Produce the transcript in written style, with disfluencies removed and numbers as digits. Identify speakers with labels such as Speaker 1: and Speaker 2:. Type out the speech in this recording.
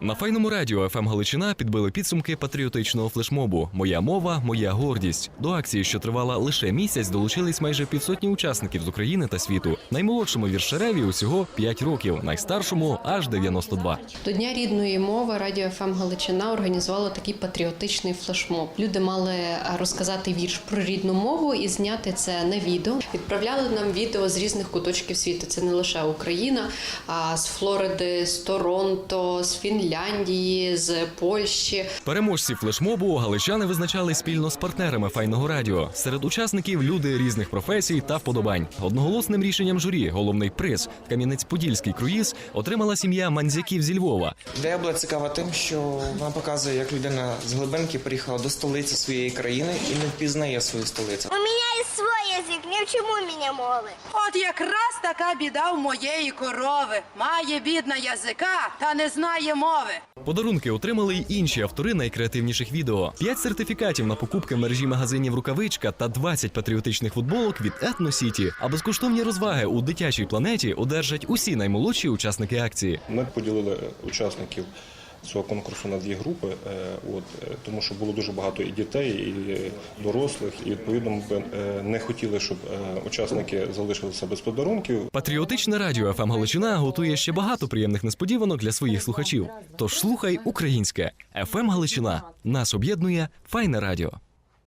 Speaker 1: На Файному радіо ФМ Галичина підбили підсумки патріотичного флешмобу «Моя мова, моя гордість». До акції, що тривала лише місяць, долучились майже півсотні учасників з України та світу. Наймолодшому віршереві усього 5 років, найстаршому – аж 92.
Speaker 2: До Дня рідної мови радіо ФМ Галичина організувало такий патріотичний флешмоб. Люди мали розказати вірш про рідну мову і зняти це на відео. Відправляли нам відео з різних куточків світу. Це не лише Україна, а з Флориди, з Торонто, з Фінляндії, з Польщі.
Speaker 1: Переможці флешмобу галичани визначали спільно з партнерами Файного радіо. Серед учасників – люди різних професій та вподобань. Одноголосним рішенням журі головний приз «Кам'янець-Подільський круїз» отримала сім'я Мандзяків зі Львова.
Speaker 3: Ідея була цікава тим, що вона показує, як людина з глибинки приїхала до столиці своєї країни і не впізнає свою столицю.
Speaker 4: У мене є свій язик, не вчимо мене мови.
Speaker 5: От якраз така біда в моєї корови. Має бідна язика та не знає мови.
Speaker 1: Подарунки отримали й інші автори найкреативніших відео. 5 сертифікатів на покупки в мережі магазинів «Рукавичка» та 20 патріотичних футболок від «Етно Сіті». А безкоштовні розваги у дитячій планеті одержать усі наймолодші учасники акції.
Speaker 6: Ми поділили учасників цього конкурсу на 2 групи, тому що було дуже багато і дітей, і дорослих, і відповідно ми не хотіли, щоб учасники залишилися без подарунків.
Speaker 1: Патріотичне радіо ФМ Галичина готує ще багато приємних несподіванок для своїх слухачів. Тож слухай українське. ФМ Галичина. Нас об'єднує Файне радіо.